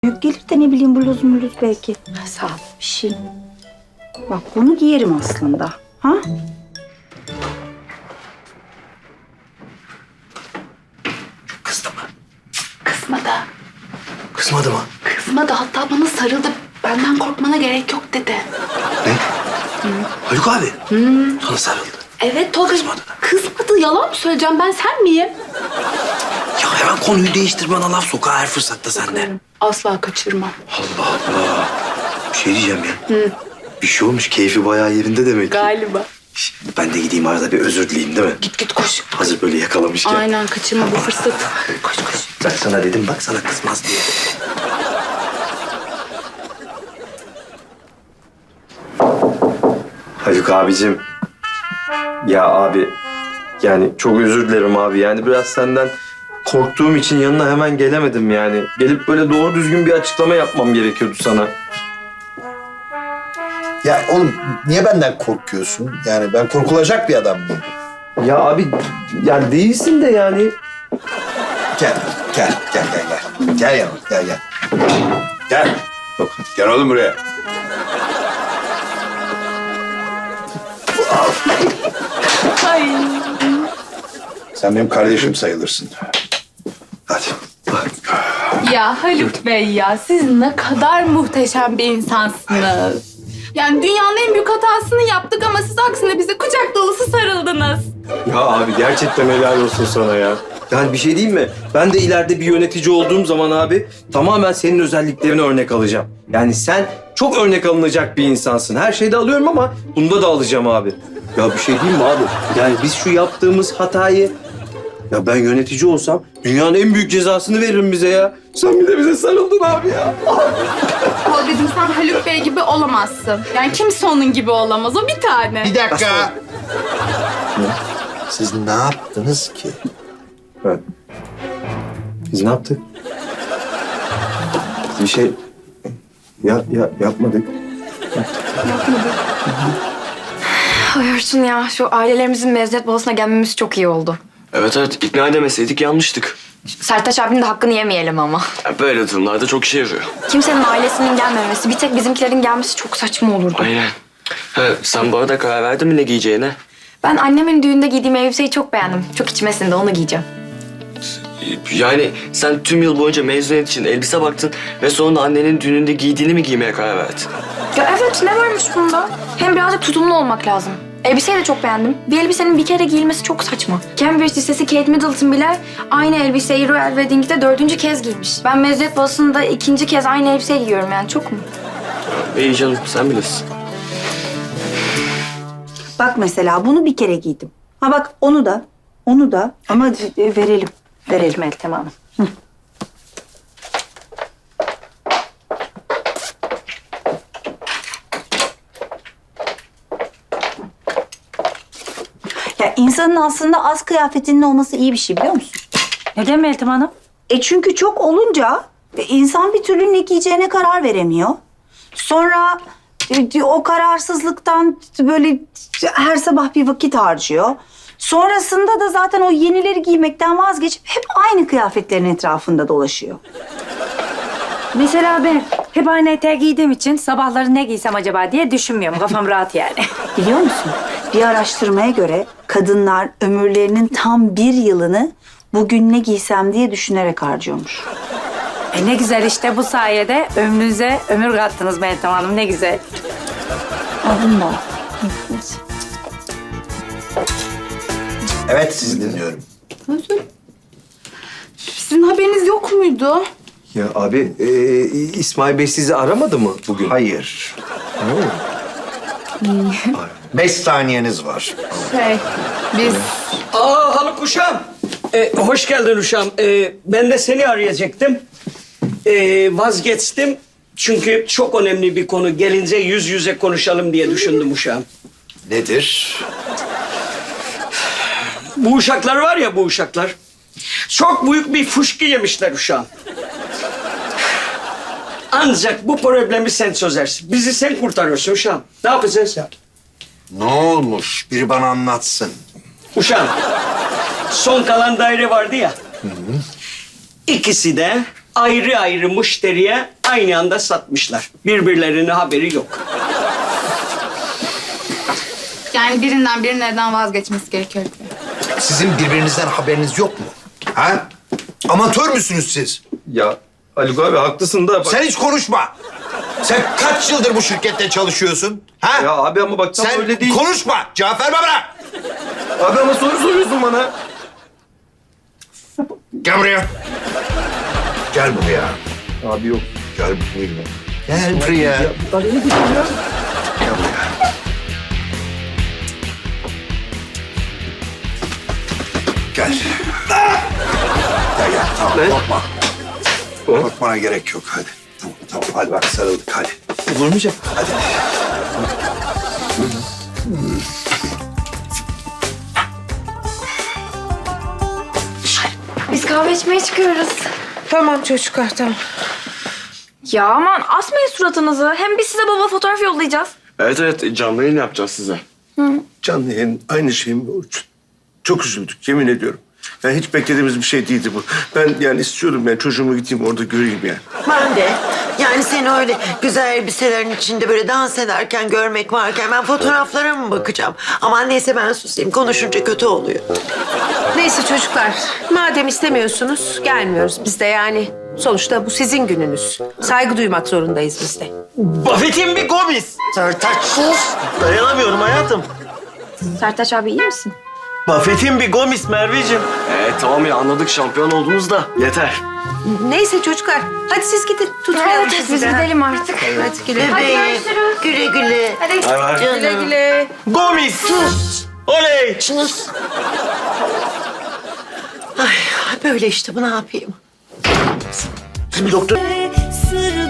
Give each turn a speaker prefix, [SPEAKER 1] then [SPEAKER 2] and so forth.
[SPEAKER 1] Büyük gelir de ne bileyim bluz muluz belki.
[SPEAKER 2] Sağ ol.
[SPEAKER 1] Bir şey. Bak bunu giyerim aslında. Ha?
[SPEAKER 3] Kızdı mı?
[SPEAKER 2] Kızmadı.
[SPEAKER 3] Kızmadı mı?
[SPEAKER 2] Kızmadı. Hatta bana sarıldı. Benden korkmana gerek yok dedi.
[SPEAKER 3] Ne? Haluk abi. Sana sarıldı.
[SPEAKER 2] Evet Tolga.
[SPEAKER 3] Kızmadı da.
[SPEAKER 2] Kızmadı. Yalan mı söyleyeceğim? Ben sen miyim?
[SPEAKER 3] Ya hemen konuyu değiştir, bana laf soka her fırsatta sende.
[SPEAKER 2] Asla kaçırmam.
[SPEAKER 3] Allah Allah. Bir şey diyeceğim ya. Bir şey olmuş, keyfi bayağı yerinde demek ki.
[SPEAKER 2] Galiba.
[SPEAKER 3] Şş, ben de gideyim arada bir özür dileyeyim değil mi?
[SPEAKER 2] Git koş.
[SPEAKER 3] Hazır böyle yakalamışken.
[SPEAKER 2] Aynen kaçırma bu fırsatı. Koş koş.
[SPEAKER 3] Ben sana dedim bak, sana kızmaz diye.
[SPEAKER 4] Haluk abicim. Ya abi, yani çok özür dilerim abi. Yani biraz senden korktuğum için yanına hemen gelemedim yani. Gelip böyle doğru düzgün bir açıklama yapmam gerekiyordu sana.
[SPEAKER 5] Ya oğlum niye benden korkuyorsun? Yani ben korkulacak bir adam mıyım?
[SPEAKER 4] Ya abi, yani değilsin de yani.
[SPEAKER 5] Gel. Gel yanıma, gel. Gel.
[SPEAKER 4] Yok.
[SPEAKER 5] Gel oğlum buraya.
[SPEAKER 2] Ay.
[SPEAKER 5] Sen benim kardeşim sayılırsın. Hadi.
[SPEAKER 2] Ya Haluk Bey ya siz ne kadar muhteşem bir insansınız. Yani dünyanın en büyük hatasını yaptık ama siz aksine bize kucak dolusu sarıldınız.
[SPEAKER 4] Ya abi, gerçekten helal olsun sana ya. Yani bir şey diyeyim mi? Ben de ileride bir yönetici olduğum zaman abi tamamen senin özelliklerini örnek alacağım. Yani sen çok örnek alınacak bir insansın. Her şeyde alıyorum ama bunda da alacağım abi. Ya bir şey diyeyim mi abi? Yani biz şu yaptığımız hatayı... Ya ben yönetici olsam dünyanın en büyük cezasını veririm bize ya. Sen bir de bize sarıldın abi ya.
[SPEAKER 2] Tolga'cığım sen Haluk Bey gibi olamazsın. Yani kimse onun gibi olamaz. O bir tane.
[SPEAKER 5] Bir dakika. Siz ne yaptınız ki?
[SPEAKER 4] Evet. Biz ne yaptık? Bir şey... yapmadık.
[SPEAKER 6] Ay Orçun ya, şu ailelerimizin mezuniyet balosuna gelmemiz çok iyi oldu.
[SPEAKER 7] Evet, ikna edemeseydik yanlıştık.
[SPEAKER 6] Sertaç abinin de hakkını yemeyelim ama.
[SPEAKER 7] Ya böyle durumlarda çok işe yarıyor.
[SPEAKER 6] Kimsenin ailesinin gelmemesi, bir tek bizimkilerin gelmesi çok saçma olurdu.
[SPEAKER 7] Aynen. Ha, sen bu arada karar verdin mi ne giyeceğine?
[SPEAKER 6] Ben annemin düğünde giydiğim elbiseyi çok beğendim. Çok içmesinde onu giyeceğim.
[SPEAKER 7] Yani sen tüm yıl boyunca mezuniyet için elbise baktın ve sonra annenin düğününde giydiğini mi giymeye karar verdin?
[SPEAKER 6] Ya evet, ne varmış bunda? Hem birazcık tutumlu olmak lazım. Elbiseyi de çok beğendim. Bir elbisenin bir kere giyilmesi çok saçma. Cambridge Lisesi Kate Middleton bile aynı elbiseyi Royal Wedding'de 4. kez giymiş. Ben mezuniyet balosunda 2. kez aynı elbiseyi giyiyorum, yani çok mu?
[SPEAKER 7] İyi canım, sen bilirsin.
[SPEAKER 1] Bak mesela bunu bir kere giydim. Ha bak onu da ama verelim. Verelim Meltem Hanım. Hı. Ya insanın aslında az kıyafetinin olması iyi bir şey, biliyor musun?
[SPEAKER 8] Neden Meltem Hanım?
[SPEAKER 1] Çünkü çok olunca insan bir türlü ne giyeceğine karar veremiyor. Sonra o kararsızlıktan böyle her sabah bir vakit harcıyor. Sonrasında da zaten o yenileri giymekten vazgeçip hep aynı kıyafetlerin etrafında dolaşıyor.
[SPEAKER 8] Mesela ben hep aynı eteği giydiğim için sabahları ne giysem acaba diye düşünmüyorum. Kafam rahat yani.
[SPEAKER 1] Biliyor musun? Bir araştırmaya göre kadınlar ömürlerinin tam 1 yılını bugün ne giysem diye düşünerek harcıyormuş.
[SPEAKER 8] Ne güzel işte, bu sayede ömrünüze ömür kattınız Meltem Hanım, ne güzel.
[SPEAKER 1] Alın da.
[SPEAKER 5] Evet, sizi dinliyorum.
[SPEAKER 2] Sizin haberiniz yok muydu?
[SPEAKER 4] Ya abi, İsmail Bey sizi aramadı mı bugün?
[SPEAKER 5] Hayır. 5 saniyeniz var.
[SPEAKER 2] Biz...
[SPEAKER 9] Aa Haluk uşağım. Hoş geldin uşağım. Ben de seni arayacaktım. Vazgeçtim. Çünkü çok önemli bir konu. Gelince yüz yüze konuşalım diye düşündüm uşağım.
[SPEAKER 5] Nedir?
[SPEAKER 9] Bu uşaklar var ya, bu uşaklar. Çok büyük bir fışkı yemişler uşağım. Ancak bu problemi sen çözersin. Bizi sen kurtarıyorsun uşağım. Ne yapacağız ya?
[SPEAKER 5] Ne olmuş? Biri bana anlatsın.
[SPEAKER 9] Uşağım, son kalan daire vardı ya. İkisi de ayrı ayrı müşteriye aynı anda satmışlar. Birbirlerine haberi yok.
[SPEAKER 2] Yani birinden birinin evden vazgeçmesi gerekiyor.
[SPEAKER 5] Sizin birbirinizden haberiniz yok mu? Ha? Amatör müsünüz siz?
[SPEAKER 4] Ya Haluk abi haklısın da...
[SPEAKER 5] Sen hiç konuşma. Sen kaç yıldır bu şirkette çalışıyorsun? Ha?
[SPEAKER 4] Ya abi ama bak tam
[SPEAKER 5] Sen
[SPEAKER 4] öyle değil.
[SPEAKER 5] konuşma. Cevap verme bana.
[SPEAKER 4] Abi ama soru soruyorsun bana.
[SPEAKER 5] Gel buraya. Gel buraya.
[SPEAKER 4] Abi yok.
[SPEAKER 5] Gel buraya. Gel buraya. Gel buraya. Gel. Gel gel. Tamam
[SPEAKER 4] Ne?
[SPEAKER 5] korkma. Korkmana gerek yok. Hadi. Tamam hadi bak sarıldık hadi.
[SPEAKER 4] Vurmayacak.
[SPEAKER 5] Hadi.
[SPEAKER 6] Biz kahve içmeye çıkıyoruz.
[SPEAKER 8] Tamam çocuklar tamam.
[SPEAKER 6] Ya aman asmayın suratınızı. Hem biz size baba fotoğraf yollayacağız.
[SPEAKER 7] Evet canlı yayın yapacağız size.
[SPEAKER 10] Canlı yayın aynı şey mi Orçun? Çok üzüldük yemin ediyorum. Yani hiç beklediğimiz bir şey değildi bu. Ben yani istiyorum yani çocuğumu gideyim orada göreyim yani.
[SPEAKER 11] Ben de. Yani seni öyle güzel elbiselerin içinde böyle dans ederken görmek varken ben fotoğraflara mı bakacağım? Aman neyse ben susayım. Konuşunca kötü oluyor.
[SPEAKER 8] Neyse çocuklar, madem istemiyorsunuz gelmiyoruz biz de yani. Sonuçta bu sizin gününüz. Saygı duymak zorundayız biz de.
[SPEAKER 10] Buffett'in bir gomis.
[SPEAKER 11] Sertaç sus.
[SPEAKER 10] Dayanamıyorum hayatım.
[SPEAKER 6] Sertaç abi iyi misin?
[SPEAKER 10] Buffett'in bir gomis Merveciğim.
[SPEAKER 7] Tamam ya anladık şampiyon oldunuz da yeter.
[SPEAKER 8] Neyse çocuklar, hadi siz gidin. Tutmayalım
[SPEAKER 6] Evet
[SPEAKER 8] sizi
[SPEAKER 6] biz
[SPEAKER 8] de.
[SPEAKER 6] gidelim artık.
[SPEAKER 8] Hadi güle.
[SPEAKER 11] Bebeğim. Güle güle.
[SPEAKER 6] Hadi.
[SPEAKER 11] Canım.
[SPEAKER 8] Güle güle.
[SPEAKER 10] Gomis.
[SPEAKER 11] Sus.
[SPEAKER 10] Oley.
[SPEAKER 11] Sus. Ay böyle işte bu ne yapayım?
[SPEAKER 10] Şimdi doktor...
[SPEAKER 1] Sır